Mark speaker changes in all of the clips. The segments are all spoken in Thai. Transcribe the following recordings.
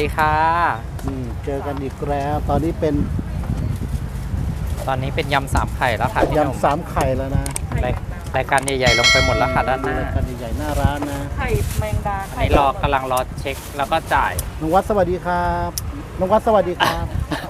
Speaker 1: ดีค่ะ
Speaker 2: เจอกันอีกแล้วตอนนี้เป็น
Speaker 1: ยำสามไข่แล้วค่ะพี่หนุ่ม
Speaker 2: ยำสามไข่แล้วนะ
Speaker 1: รายการใหญ่ๆลงไปหมดแล้วค่ะด้านหน้าร
Speaker 2: ายการใหญ่ๆหน้าร้านนะ
Speaker 3: ไข่แมงดา
Speaker 1: อันนี้กำลังรอเช็คแล้วก็จ่าย
Speaker 2: น้องวัดสวัสดีครับน้องวัดสวัสดีครับ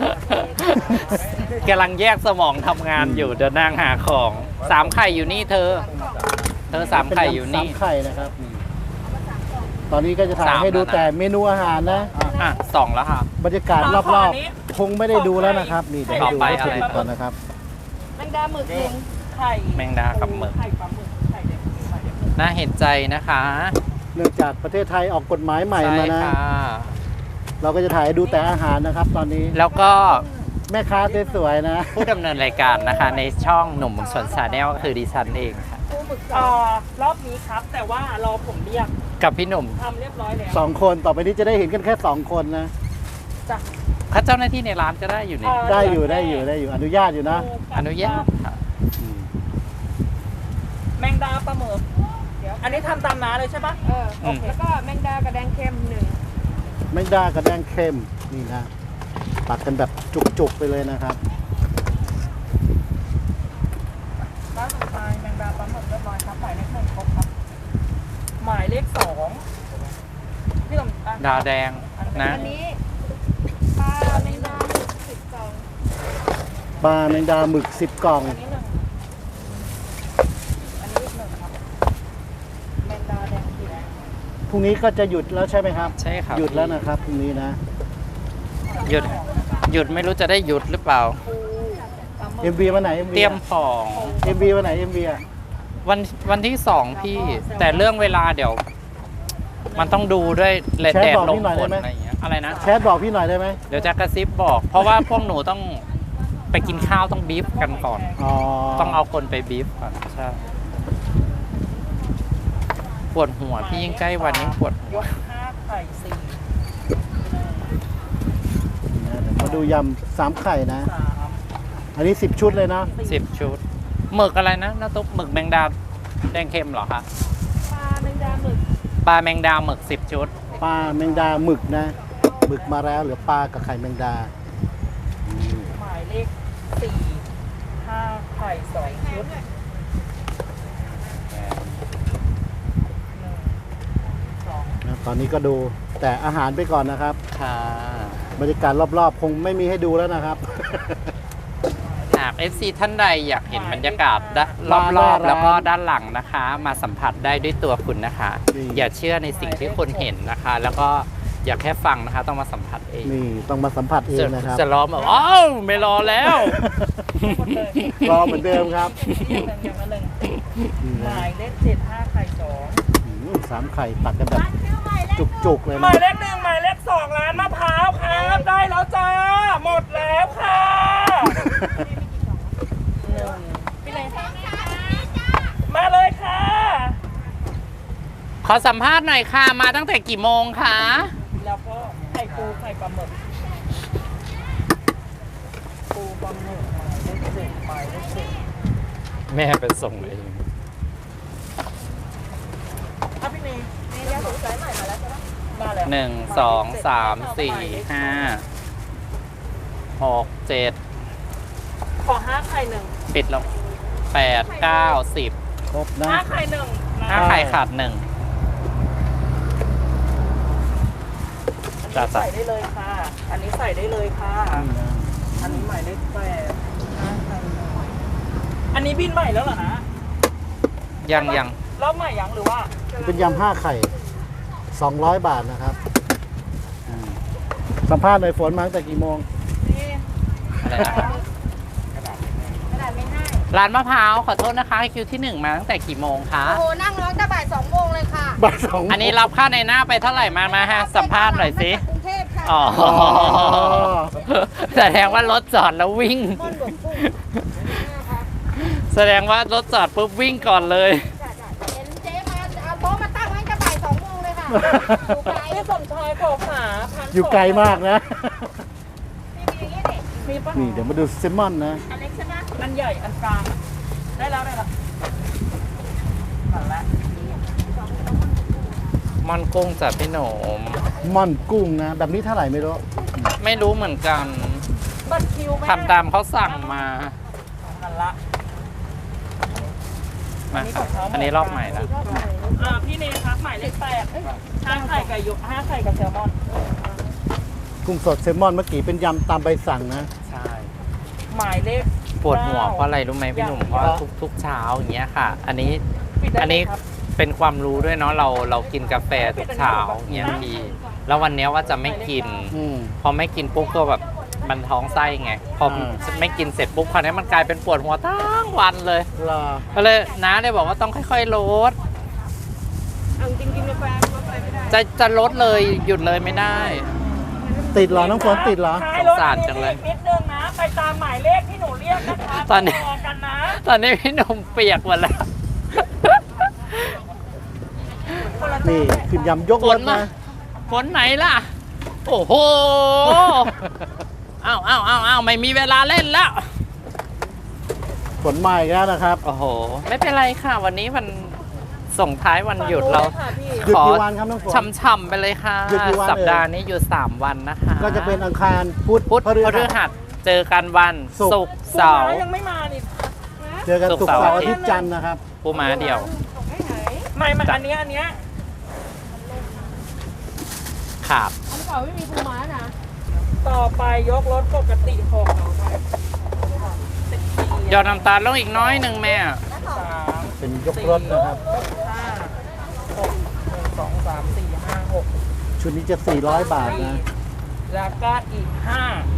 Speaker 1: กำลังแยกสมองทำงานอยู่เดินนั่งหาของสามไข่อยู่นี่เธอสามไข่อยู่นี่
Speaker 2: สามไข่นะครับตอนนี้ก็จะถ่ายให้ดูแต่เมนูอาหารนะ
Speaker 1: สองแล้วค่ะ
Speaker 2: บรรยากาศรอบๆคงไม่ได้ดูแล้วนะครับนี่เดี๋ยวให้ดูวัตถุดิบก่อนนะครับ
Speaker 3: แมงดาหมึกไข่
Speaker 1: แมงดากับหมึก
Speaker 3: ไข่ปลาหมึกไข่เด็ก
Speaker 1: น่าเห็นใจนะคะ
Speaker 2: เนื่องจากประเทศไทยออกกฎหมายใหม่มานะ
Speaker 1: ใช่ค่ะ
Speaker 2: เราก็จะถ่ายให้ดูแต่อาหารนะครับตอนนี้
Speaker 1: แล้วก็
Speaker 2: แม่ค้าสวยๆนะ
Speaker 1: ผู้ดำเนินรายการนะคะในช่องหนุ่มสวนชาแนลก็คือดิฉันเองค่ะ
Speaker 3: รอบนี้ครับแต่ว่ารอผมเรียก
Speaker 1: กับพี่หนุ่ม
Speaker 3: ทำเรียบร้อยแล้ว
Speaker 2: 2 คนต่อไปนี้จะได้เห็นกันแค่2 คนนะ
Speaker 3: จ้ะ
Speaker 1: ถ้าเจ้าหน้าที่ในร้านจะได้อยู่นี่
Speaker 2: ได้อยู่อนุญาตอยู่นะ
Speaker 1: อนุญาตค่ะ
Speaker 3: แมงดาปลาหมึกอันนี้ทำตามน้าเลยใช่ปะ
Speaker 4: โอเคแล้วก็แมงดากระแดงเค็ม1
Speaker 2: แมงดากระแดงเค็มนี่นะตักกันแบบจุกๆไปเลยนะครับ
Speaker 3: ร้านสุดท้ายแมงดาปลาหมึกเรียบร้อยครับหมายเลข1ครบครับหมายเลข2พี่หนุ่ม
Speaker 1: ดาวแดงนะ
Speaker 4: อันนี้ปลาแมงดา10 กล่อง
Speaker 2: ปลาแมงดาหมึก10 กล่อง
Speaker 3: อันนี้1ครับแมงดาแดงกี่แดง
Speaker 2: พรุ่งนี้ก็จะหยุดแล้วใช่ไหมครับ
Speaker 1: ใช่ครับ
Speaker 2: หยุดแล้วนะครับพรุ่งนี้นะ
Speaker 1: หยุดไม่รู้จะได้หยุดหรือเปล่า
Speaker 2: MV วันไหน MV
Speaker 1: เตรียมของ
Speaker 2: MV วันไหน MV อ่ะ
Speaker 1: วันที่2พี่แต่เรื่องเวลาเดี๋ยวมันต้องดูด้วยแดดลมฝนอะไรอย่างเงี้ยอะไรนะ
Speaker 2: แชทบอกพี่หน่อยได้ไหม
Speaker 1: เดี๋ยวจะกระซิบบอกเพราะว่าพวกหนูต้องไปกินข้าวต้องบีฟกันก่อนต้องเอาคนไปบีฟก่อนใช่ปวดหัวพี่ยิ่งใกล้วันยิ่งปวดหัว
Speaker 3: 5 ไข่
Speaker 2: 4มาดูยำ3 ไข่นะอันนี้10 ชุดเลยนะ
Speaker 1: 10 ชุดหมึกอะไรนะน้าตุ๊กหมึกแมงดาแดงเค็มเหรอคะ
Speaker 4: ปลาแมงดาหมึก
Speaker 1: 10 ชุด
Speaker 2: ปลาแมงดาหมึกนะหมึกมาแล้วเหลือปลากับไข่แมงดา
Speaker 3: หมายเลข4 5 ไข่2 ชุด
Speaker 2: ตอนนี้ก็ดูแต่อาหารไปก่อนนะครับ
Speaker 1: ค่ะ
Speaker 2: บรรยากาศรอบๆคงไม่มีให้ดูแล้วนะครับ
Speaker 1: หาก FC ท่านใดอยากเห็นบรรยากาศรอบๆแล้วก็ด้านหลังนะคะ มาสัมผัสได้ด้วยตัวคุณนะคะ อย่าเชื่อในสิ่งที่คนเห็นนะคะ แล้วก็อย่าแค่ฟังนะคะต้องมาสัมผัสเอง
Speaker 2: นี่ต้องมาสัมผัสเองนะครับ
Speaker 1: จะรอแบบอ้าวไม่รอแล้ว
Speaker 2: รอเหมือนเดิมครับ
Speaker 3: หมายเลข7 5 ไข่
Speaker 2: 3 ไข่ตัดกันแบบจุกๆเลย
Speaker 3: หมายเลข1หมายเลข2ร้านมะพร้าวครับได้แล้วจ้าหมดแล้วค่ะมาเลยค่ะ
Speaker 1: ขอสัมภาษณ์หน่อยค่ะมาตั้งแต่กี่โมงคะ
Speaker 3: แล้วก็ไข่ปูไข่ปลาหมึกปูปลาหมึกหมายเลข7หมายเลข10
Speaker 1: แม่ไปส่งเอง
Speaker 3: พี่เนยยาสูบสายใหม่มาแล้วใช่ไหมมาแล้ว
Speaker 1: 1 2 3 4 5 6 7
Speaker 3: ขอ5 ไข่1
Speaker 1: ปิดลง8 9 10
Speaker 2: ครบนะ
Speaker 3: 5 ไข่1
Speaker 1: 5 ไข่ขาด1
Speaker 3: จะใส่ได้เลยค่ะอันนี้ใส่ได้เลยค่ะอันนี้หมายเลข8 5 ไข่อันนี้บินใหม่แล้วเหรอนะ
Speaker 1: ยัง
Speaker 3: รอบใหม่ยังหรือว่า
Speaker 2: เป็นยำ5 ไข่200 บาทนะครับสัมภาษณ์หน่อยฝนมาตั้งแต่กี่โมง
Speaker 1: อะไรนะครับร้านมะพร้าวขอโทษนะคะคิวที่1มาตั้งแต่กี่โมงคะ
Speaker 4: โอ้โหนั่งร้องแต่บ่าย2 โมงเลยค่ะ
Speaker 2: บ่าย2
Speaker 1: อันนี้รับค่าในหน้าไปเท่าไหร่มาฮะสัมภาษณ์หน่อยสิ
Speaker 4: กรุงเทพค่ะ
Speaker 1: อ๋อแสดงว่ารถจอดแล้ววิ่งแสดงว่ารถจอดปุ๊บวิ่งก่อนเลย
Speaker 4: เห็นเจ๊มาเอาโต๊ะมาตั้งไว้แต่บ่าย2 โมงเลยค่ะ
Speaker 3: อยู่ไกลพี่สมชายขอขา
Speaker 2: อยู่ไกลมากนะ
Speaker 3: มีป่ะ
Speaker 2: นี่เดี๋ยวมาดูเซลมอนนะ
Speaker 4: อันเล็กใช่ไหม
Speaker 3: อันใหญ่อันกลางได้แล้วนั่นแหละ
Speaker 1: ม่อนกุ้งจากพี่หนม
Speaker 2: ม่อนกุ้งนะ แบบนี้เท่าไหร่ไม่รู้
Speaker 1: ไม่รู้เหมือนกัน
Speaker 3: บัตรคิวไหม
Speaker 1: ทำตามเขาสั่งมา
Speaker 3: นั่นละ
Speaker 1: มาครับอันนี้รอบใหม่แล้ว
Speaker 3: พี่เนครับหมายเลข8 5 ไข่กับ5 ไข่กับแซลมอน
Speaker 2: กุ้งสดแซลมอนเมื่อกี้เป็นยำตามใบสั่งนะ
Speaker 1: ใช่
Speaker 3: หมายเลข
Speaker 1: ปวดหัวเพราะอะไรรู้ไหมพี่หนุ่มเพราะว่าทุกเช้าอย่างเงี้ยค่ะ อันนี้
Speaker 3: ปิดได้
Speaker 1: อันนี้
Speaker 3: เลยครับ
Speaker 1: เป็นความรู้ด้วยเนาะเรากินกาแฟทุกเช้าอย่างเงี้ยพี่แล้ววันเนี้ยว่าจะไม่กิน
Speaker 2: อืม
Speaker 1: พอไม่กินปุ๊บก็แบบมันท้องไส้ไงพอไม่กินเสร็จปุ๊บคราวนี้มันกลายเป็นปวดหัวทั้งวันเลย
Speaker 2: รอ
Speaker 1: ก็เลยน้าเลยบอกว่าต้องค่อยๆลด
Speaker 4: เอาจริงกินกาแฟลดไปไม่ได้
Speaker 1: จะลดเลยหยุดเลยไม่ได้
Speaker 2: ติดเหรอ น้องฝนติดเหรอ
Speaker 3: ท้ายรถ
Speaker 1: สงสารจังเลย
Speaker 3: นิดนึงนะ ไปตามหมายเลขที่หนูเรียกนะคะ
Speaker 1: ตอนนี้
Speaker 3: รอกันนะ
Speaker 1: ตอนนี้พี่หนุ่มเปียกหมดแล้ว
Speaker 2: นี่คือยำยกรถนะ
Speaker 1: ฝนไหนล่ะ โอ้โห อ้าวไม่มีเวลาเล่นแล้ว
Speaker 2: ฝนมาอีกแล้วนะครับ
Speaker 1: โอ้โห ไม่เป็นไรค่ะ วันนี้วันส่งท้ายวันหยุดเรา
Speaker 3: ค่ะพี่
Speaker 2: หยุดกี่วันครับน้องฝน
Speaker 1: ช่ำๆไปเลยค่ะ
Speaker 2: หยุดกี่วัน
Speaker 1: สัปดาห์นี้หยุด3 วันนะคะ
Speaker 2: ก็จะเป็นอังคารพุธ
Speaker 1: พุธพ
Speaker 2: พฤ
Speaker 1: ฤ
Speaker 2: หัส
Speaker 1: หัสเจอกันวัน
Speaker 2: ศุ
Speaker 1: ศุ
Speaker 2: ก
Speaker 1: ก
Speaker 2: ร์
Speaker 1: ร์เสาร์
Speaker 3: ยังไม่มานี่
Speaker 2: เจอกัน
Speaker 1: ศุ
Speaker 2: ศุ
Speaker 1: ก
Speaker 2: ก
Speaker 1: ร์
Speaker 2: ร์
Speaker 1: เสาร์
Speaker 2: เสาร์อาทิตย์จันทร์นะครับ
Speaker 1: ปูม้าเดียว
Speaker 3: ไม่อันเนี้ย
Speaker 1: ขาบ
Speaker 4: อันเก่าไม่มีปูม้านะ
Speaker 3: ต่อไปยกรถปกติ6
Speaker 1: ยอดน้ำตาลลงอีกน้อยหนึ่งแม่
Speaker 3: 3
Speaker 2: เป็นยกรถนะครับ
Speaker 3: 5 6 1 2 3 4 5 6
Speaker 2: ชุดนี้จะ 400 บาทนะ
Speaker 3: แล้วก็อีก5 1 2 3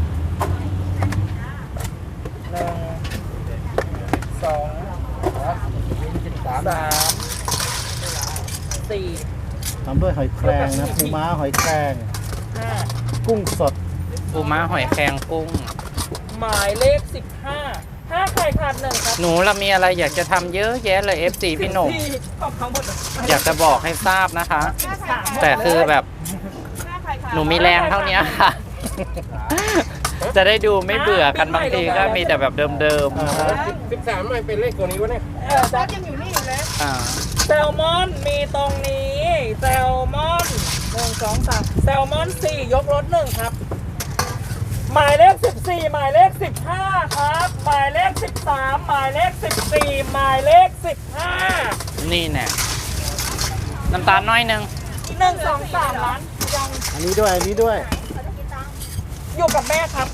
Speaker 3: 4
Speaker 2: ทำด้วยหอยแครงนะปูม้าหอยแครง
Speaker 3: 5
Speaker 2: กุ้งสด
Speaker 1: ปูม้าหอยแครงกุ้ง
Speaker 3: หมายเลข15 5 ไข่ขาด1ครับ
Speaker 1: หนูเรามีอะไรอยากจะทำเยอะแยะเลย FC พี่หนุ่ม
Speaker 3: ขอบทั้งหมด
Speaker 1: อยากจะบอกให้ทราบนะคะ แต่คือแบบ
Speaker 4: หน้าไข่ขาว
Speaker 1: หนูมีแรงเท่านี้ค่ะ จะได้ดูไม่เบื่อกันบางทีก็มีแต่แบบเดิม
Speaker 5: 13มันเป็นเลขตัวนี้วะเนี่ย
Speaker 4: รถยังอยู่นี่อยู่เลย
Speaker 1: ๆอ่า
Speaker 3: แซลมอนมีตรงนี้แซลมอน1 2 3แซลมอน4ยกรถ1ครับ หมายเลข14หมายเลข15ครับหมายเลข13หมายเลข14หมายเลข15
Speaker 1: นี่แน่น้ำตาลน้อยหนึง
Speaker 3: 1 2 3ล้านยัง
Speaker 2: อันนี้ด้วย อันนี้ด้วย
Speaker 3: อยู่กับแม่ครับ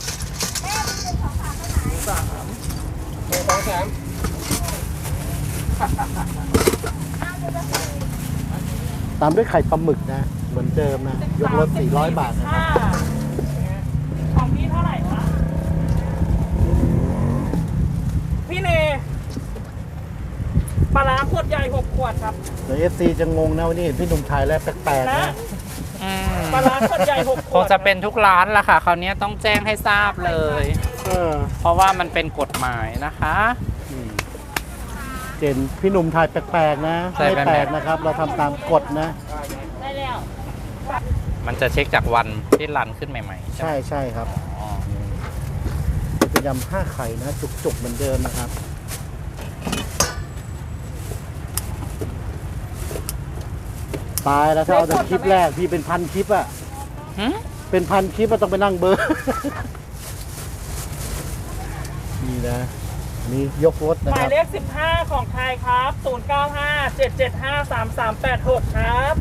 Speaker 2: ตามด้วยไข่ปลาหมึกนะ เหมือนเดิมนะ ยกรถ 400 บาทนะครับ
Speaker 3: ของพี่เท่าไหร่คะพี่เนปลาร้าขวดใหญ่6 ขวดครับ
Speaker 2: เดี๋ยว FC จะงงนะวันนี้เห็นพี่หนุ่มถ่ายแล้วแปลกๆ
Speaker 3: นะ
Speaker 2: นะ
Speaker 1: อืม
Speaker 3: ปลาร้าขวดใหญ่6 ข
Speaker 1: คว ง
Speaker 3: ด
Speaker 1: จะเป็นทุกร้านละค่ะ คราวนี้ต้องแจ้งให้ทราบเลย
Speaker 2: เออ
Speaker 1: เพราะว่ามันเป็นกฎหมายนะคะ
Speaker 2: เจนพี่หนุ่มถ่ายแปลกๆนะ
Speaker 1: ใช่
Speaker 2: ไม่
Speaker 1: แปลกๆ
Speaker 2: แปลกนะครับ เราทำตามกฎนะ
Speaker 3: ได้แล้ว
Speaker 1: มันจะเช็คจากวันที่รันขึ้นใหม่ๆใช่ไหม
Speaker 2: ใช่ใช่ครับ
Speaker 1: อ๋อ
Speaker 2: เป็นยำ5 ไข่นะ จุกๆเหมือนเดิมนะครับ ตายแล้วถ้าเอาแต่คลิปแรกพี่เป็นพันคลิปอะ
Speaker 1: หึ
Speaker 2: เป็นพันคลิปอะต้องไปนั่งเบอร์ นี่นะอันนี่ยกรถนะ
Speaker 3: หมา
Speaker 2: ค
Speaker 3: ย
Speaker 2: รับ
Speaker 3: เลข15ของไทยครับ095 775 3386ครับ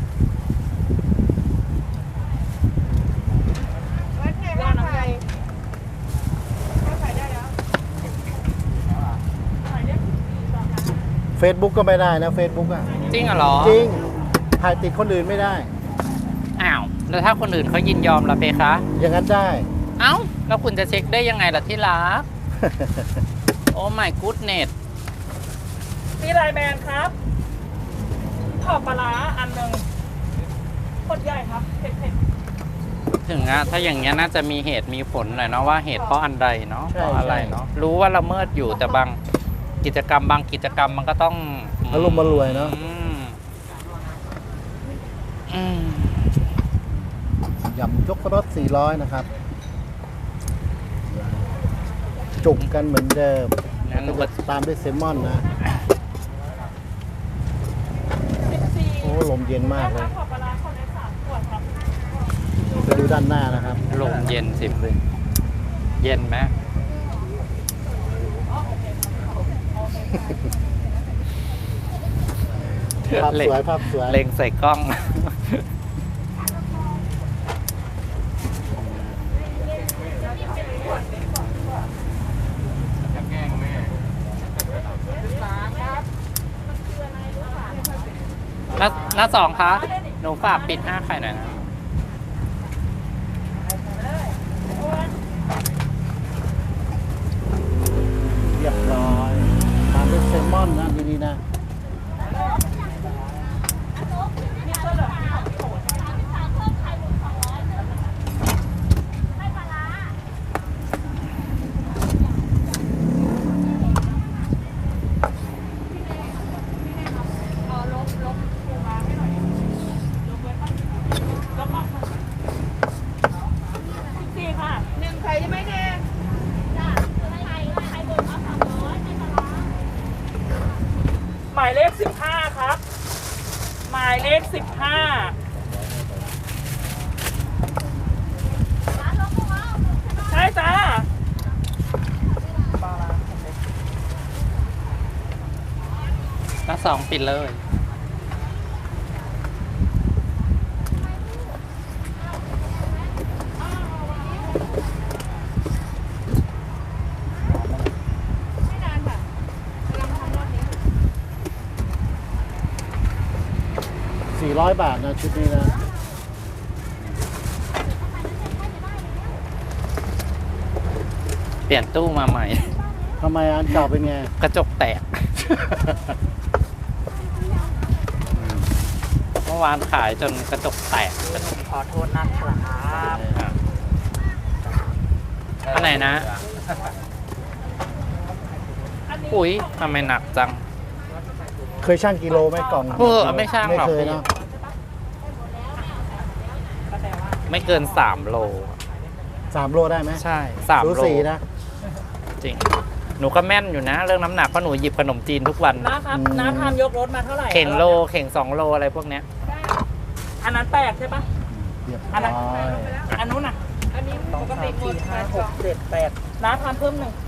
Speaker 4: วัดไงว่าไข่ว่าไข่ได้แล้ว
Speaker 3: หมายเลข14ต่อค่ะ
Speaker 2: Facebook ก็ไม่ได้นะ Facebook อะ
Speaker 1: จริงเหรอ
Speaker 2: จริง ถ่ายติดคนอื่นไม่ได้
Speaker 1: อ้าว แล้วถ้าคนอื่นเขายินยอมล่ะเพคะ
Speaker 2: อย่างนั้นได้
Speaker 1: เอ้า แล้วคุณจะเช็คได้ยังไงล่ะที่รัก โอ้ my goodness
Speaker 3: พี่ไลน์แมนครับขอบปลาร้าอันหนึ่งขวดใหญ่ครับเผ็ด
Speaker 1: ถึงอะถ้าอย่างเงี้ยน่าจะมีเหตุมีผลหน่อยเนาะว่าเหตุเพราะอันใดเนาะ
Speaker 2: ใช่
Speaker 1: เพราะอะไรเนาะรู้ว่าละเมิดอยู่แต่บางกิจกรรมมันก็ต้อง
Speaker 2: อารมณ์มารวยเนาะ
Speaker 1: อืม
Speaker 2: ยำยกรถ 400 นะครับ จุกกันเหมือนเดิม
Speaker 1: งั้นหนู
Speaker 2: ก็
Speaker 1: ก็
Speaker 2: จะตามด้วยแซลมอนนะ
Speaker 3: 14
Speaker 2: โอ้ลมเย็นมากเลย
Speaker 3: ขอบปลาร้าขวด
Speaker 2: ไปดูด้านหน้านะครับ
Speaker 1: ลมเย็นสิเย็นไหม
Speaker 2: ภาพสวยภาพสวย
Speaker 1: เล็งใส่กล้อง หน้าสองคะหนูฝากปิด5ไข่หน่อยนะ
Speaker 2: เรียบร้อยตามด้วยแซลมอนนะดีๆนะ
Speaker 3: สี่ค่ะ
Speaker 4: หนึ่งไข่ใช่ไหมเนี่ย
Speaker 3: หมายเลข15ครับ หมายเลข15ใช่จ้า
Speaker 1: หน้าสองปิดเลย
Speaker 4: ไม่นานค่ะกำลังทำรอบนี้
Speaker 2: 400 บาทนะชุดนี้นะ
Speaker 1: เปลี่ยนตู้มาใหม่
Speaker 2: ทำไมอันเก่าเป็นไง
Speaker 1: กระจกแตก เมื่อวานขายจนกระจกแตก
Speaker 3: ขอโทษนะครับ
Speaker 1: อันไหนนะ อุ้ยทำไมหนักจัง
Speaker 2: เคยช่างกิโลไหมกล่อง
Speaker 1: ไม่ช่างหรอก
Speaker 2: ไม่เคย
Speaker 1: พี่
Speaker 2: เนาะ
Speaker 1: ไม่เกิน3 โล
Speaker 2: 3 โลได้ไหม
Speaker 1: ใช่3
Speaker 2: สู
Speaker 1: โล
Speaker 2: สีนะ
Speaker 1: จริง หนูก็แม่นอยู่นะ เรื่องน้ำหนักเพราะหนูหยิบขนมจีนทุกวัน
Speaker 3: นะครับน้าทำยกรถมาเท่าไหร่
Speaker 1: เข่งโล เข่ง2 โลอะไรพวกเนี้ย
Speaker 3: อันนั้นแตกใช่ปะ
Speaker 2: เรียบ
Speaker 3: อัน
Speaker 2: ร้
Speaker 3: นั้น
Speaker 2: อย
Speaker 3: อันนู้นน่ะ
Speaker 4: อันนี้ปกติหมด
Speaker 3: 5 6 7 8น้าทำเพิ่มหนึ่ง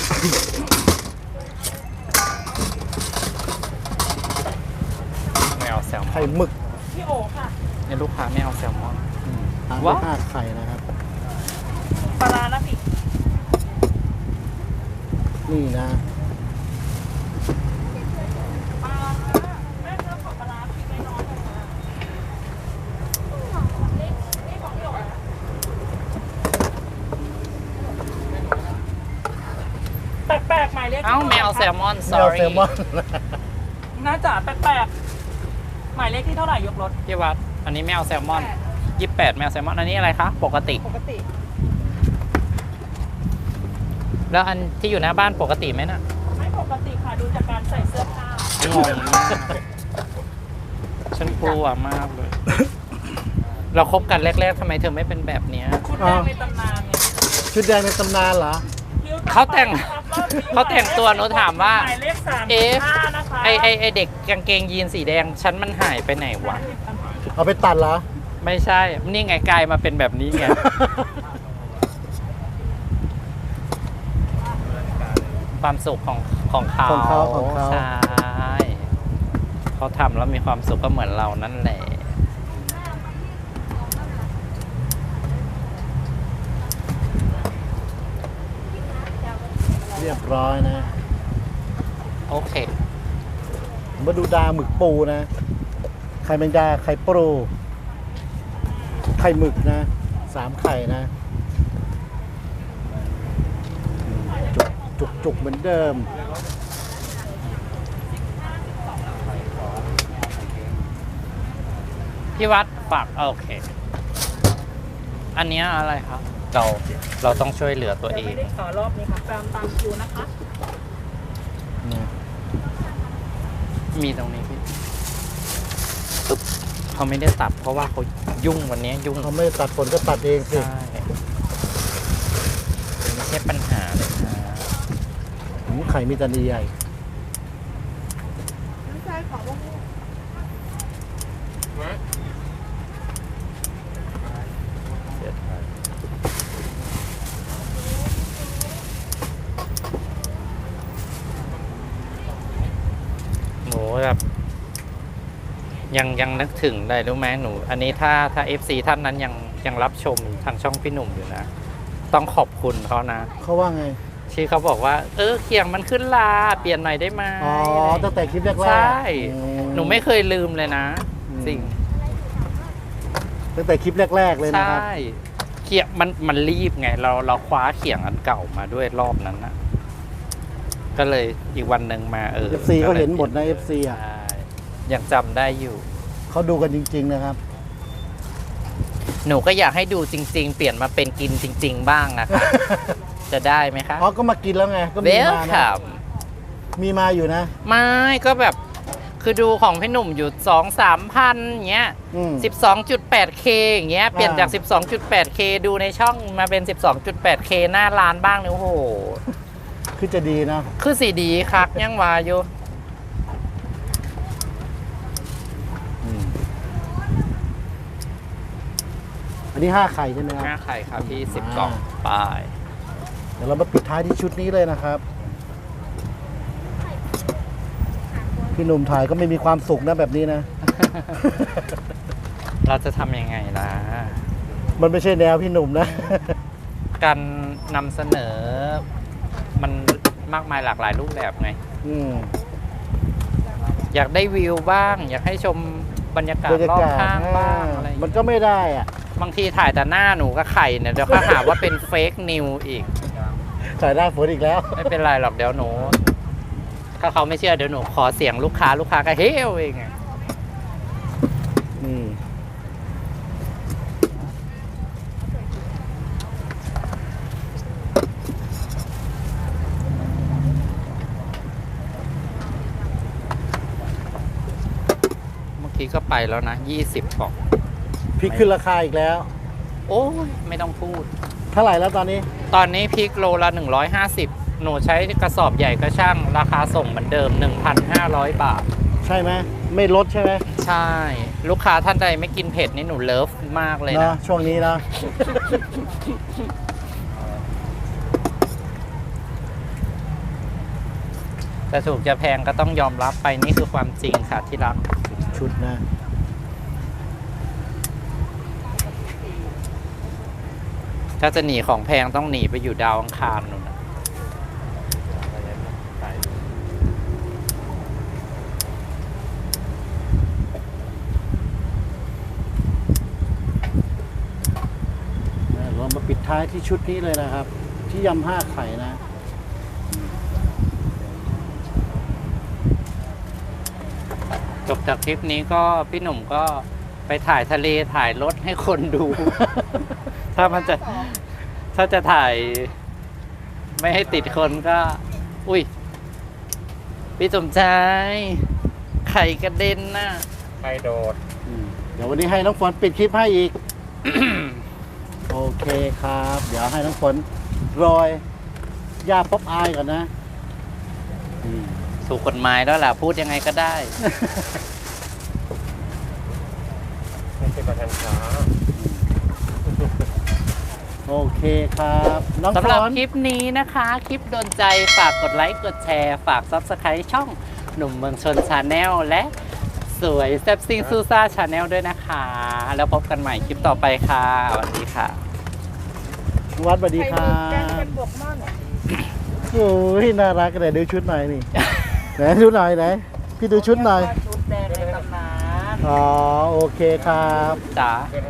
Speaker 1: ไม่เอาแซลมอ
Speaker 2: ไข่
Speaker 1: น
Speaker 2: หมึก
Speaker 3: พี่โอค่ะ
Speaker 1: เนี่ยลูกค้าไม่เอาแซลมอน
Speaker 2: ตามด้ว
Speaker 1: ว้าย
Speaker 2: 5 ไข่นะครับ
Speaker 3: ปลาร้านะพี่
Speaker 2: นี่นะ
Speaker 3: ปลาร้าแม่เลือกของปลาร้าพี่ไม่น้อยเลยนะแปลกๆหมายเลข
Speaker 1: เอ้าไม่เอาแซลมอน
Speaker 2: ไม่เอา
Speaker 1: sorry
Speaker 2: แซลมอน
Speaker 3: น่าจะแปลกๆหมายเลขที่เท่าไหร่ยกรถ
Speaker 1: พี่วัด อันนี้ไม่เอาแซลมอน 28ไม่เอาแซลมอน อันนี้อะไรคะ ปกติ
Speaker 4: ปกติ
Speaker 1: แล้วอันที่อยู่หน้าบ้านปกติไหมน่ะ
Speaker 3: ไม่ปกติค่ะดูจากการใส่เสื้อผ้าง
Speaker 1: งมากฉันกลัวมากเลย เราคบกันแรกๆทำไมเธอไม่เป็นแบบเนี้ย
Speaker 3: ชุดแดงในตำนานไง
Speaker 2: ชุดแดงในตำนานเหรอ
Speaker 1: เขาแต่งเขาแต่งตัวหนูถามว่า
Speaker 3: หมายเลข
Speaker 1: เอ๊ะ
Speaker 3: 35นะคะ
Speaker 1: ไอเด็กกางเกงยีนสีแดง ฉันมันหายไปไหนวะ
Speaker 2: เอาไปตัดเหรอ
Speaker 1: ไม่ใช่ นี่ไงกลายมาเป็นแบบนี้ไง ความสุขของเขา
Speaker 2: ของเขาของเขา
Speaker 1: ใช่เขาทำแล้วมีความสุขก็เหมือนเรานั่นแหละ
Speaker 2: เรียบร้อยนะ
Speaker 1: โอเค
Speaker 2: มาดูดาหมึกปูนะ ไข่แมงดา ไข่ปู ไข่หมึกนะ 3 ไข่นะ จุกเหมือนเดิม
Speaker 1: พี่วัดฝากโอเค อันเนี้ยอะไรครับ เราต้องช่วยเหลือตัวเอ
Speaker 3: ไม่
Speaker 1: ง
Speaker 3: ได้ขอรอบนี้ค่ะตามคิวนะคะ
Speaker 1: มีตรงนี้พี่ตึ๊บเขาไม่ได้ตัดเพราะว่าเขายุ่งวันนี้ยุ่ง
Speaker 2: เขาไม่ตัดผลก็ตัดเองสิ
Speaker 1: ใช่ไม่ใช่ปัญหาเลยนะ
Speaker 2: ไข่มีแตันใหญ่
Speaker 4: น้ำชายของพวกนี้
Speaker 1: แบบยังนึกถึงได้รู้ไหมหนู อันนี้ถ้า FC ท่านนั้นยังรับชมทางช่องพี่หนุ่มอยู่นะ ต้องขอบคุณเขานะ
Speaker 2: เขาว่าไง
Speaker 1: ที่เขาบอกว่า เขียงมันขึ้นลาเปลี่ยนหน่อยได้ไหม
Speaker 2: อ๋อ ตั้งแต่คลิปแรกๆ
Speaker 1: ใช่
Speaker 2: อื
Speaker 1: หนูไม่เคยลืมเลยนะ
Speaker 2: อืม
Speaker 1: สิ่ง
Speaker 2: ตั้งแต่คลิปแรก ๆ เลยนะครับ
Speaker 1: ใช่เขียงมันรีบไง เราคว้าเขียงอันเก่ามาด้วยรอบนั้นนะก็เลยอีกวันหนึ่งมา
Speaker 2: FC เขาเห็นหมดนะ FC อ่ะ
Speaker 1: ใช่ยังจำได้อยู่
Speaker 2: เขาดูกันจริง ๆ นะครับ
Speaker 1: หนูก็อยากให้ดูจริง ๆ เปลี่ยนมาเป็นกินจริง ๆ บ้างอะค่ะ จะได้ไหมคะ
Speaker 2: อ๋อ ก็มากินแล้วไง ก็
Speaker 1: เว
Speaker 2: มี
Speaker 1: ล
Speaker 2: มานะ
Speaker 1: คัม
Speaker 2: มีมาอยู่นะ
Speaker 1: ไม่ก็แบบคือดูของพี่หนุ่มอยู่ 2-3 พันอย่างเงี้ย
Speaker 2: อืม
Speaker 1: 12.8K อย่างเงี้ยเปลี่ยนจาก 12.8K ดูในช่องมาเป็น 12.8K หน้าร้านบ้างเนี่ยโอ้โห
Speaker 2: คือจะดีนะ
Speaker 1: คือสีดีคักยังว่าอยู่
Speaker 2: อืมอันนี้ 5 ไข่ใช่ไหมครับ
Speaker 1: หน้าไข่ครับพี่10 กล่องไป
Speaker 2: เดี๋ยวเรามาปิดท้ายที่ชุดนี้เลยนะครับ พี่หนุ่มถ่ายก็ไม่มีความสุขนะแบบนี้นะ
Speaker 1: เราจะทำยังไงล่ะ
Speaker 2: มันไม่ใช่แนวพี่หนุ่มนะ
Speaker 1: การนำเสนอมันมากมายหลากหลายรูปแบบไง
Speaker 2: อืม
Speaker 1: อยากได้วิวบ้าง อยากให้ชมบรรยากาศ
Speaker 2: บรรยาร
Speaker 1: อบ
Speaker 2: กาศ
Speaker 1: ข้างบ้างอะไรอย่าง
Speaker 2: มัน
Speaker 1: เงี้ย
Speaker 2: ก็ไม่ได้อ่ะ
Speaker 1: บางทีถ่ายแต่หน้าหนูกับไข่เนี่ยเดี๋ยวก็หาว่าเป็นเฟกนิวอีก
Speaker 2: ถ่ายหน้าฝนอีกแล้ว
Speaker 1: ไม่เป็นไรหรอกเดี๋ยวหนู ถ้าเขาไม่เชื่อเดี๋ยวหนูขอเสียงลูกค้าก็เฮ้วเองอะ
Speaker 2: นี่
Speaker 1: เมื่อกี้ก็ไปแล้วนะ20 กล่อง
Speaker 2: พริกขึ้นราคาอีกแล้ว
Speaker 1: โอ้ยไม่ต้องพูด
Speaker 2: เท่าไหร่แล้วตอนนี้
Speaker 1: ตอนนี้พริกโลละ150หนูใช้กระสอบใหญ่ก็ช่างราคาส่งเหมือนเดิม 1,500 บาท
Speaker 2: ใช่ไหม ไม่ลดใช่ไหม
Speaker 1: ใช่ ลูกค้าท่านใดไม่กินเผ็ดนี่หนูเลิฟมากเลย
Speaker 2: เนาะ
Speaker 1: นะ
Speaker 2: ช่วงนี้นะ
Speaker 1: จะถูกจะแพงก็ต้องยอมรับไปนี่คือความจริงค่ะที่รัก
Speaker 2: ชุดนะ
Speaker 1: ถ้าจะหนีของแพงต้องหนีไปอยู่ดาวอังคารนู่นนะ
Speaker 2: เรามาปิดท้ายที่ชุดนี้เลยนะครับ ที่ยำ5 ไข่นะ
Speaker 1: จบจากคลิปนี้ก็พี่หนุ่มก็ไปถ่ายทะเลถ่ายรถให้คนดู ถ้าจะถ่าย ไม่ให้ติดคนก็ อุ้ย พี่สมชายไข่กระเด็นน่ะ
Speaker 5: ใครโดด
Speaker 2: เดี๋ยววันนี้ให้น้องฝนปิดคลิปให้อีก โอเคครับ เดี๋ยวให้น้องฝนโรยยาป๊อปอายก่อนนะอืม
Speaker 1: ถูกกฎหมายแล้วล่ะ พูดยังไงก็ได้
Speaker 5: ไม่ใช่ประธานช้า
Speaker 2: โอเคครับ น้อง
Speaker 1: สำหรับ
Speaker 2: ฝน
Speaker 1: คลิปนี้นะคะ คลิปโดนใจฝากกดไลค์กดแชร์ ฝาก Subscribe ช่องหนุ่มเมืองชนชาแนลและสวยแซ่บซิงซูซ่าชาแนลด้วยนะคะ แล้วพบกันใหม่คลิปต่อไปค่ะสวัสดีค่ะ
Speaker 2: วัดสวัสดีครับ
Speaker 3: แกงเป็นบวกม่อน
Speaker 2: โอ้ยน่ารักกันเลยดูชุดหน่อยนี่ ไหนดูหน่อยไหนพี่ดูชุดหน่อย
Speaker 3: ชุดแดงในตำนาน
Speaker 2: อ๋อ โอเคครับ
Speaker 1: จ๋า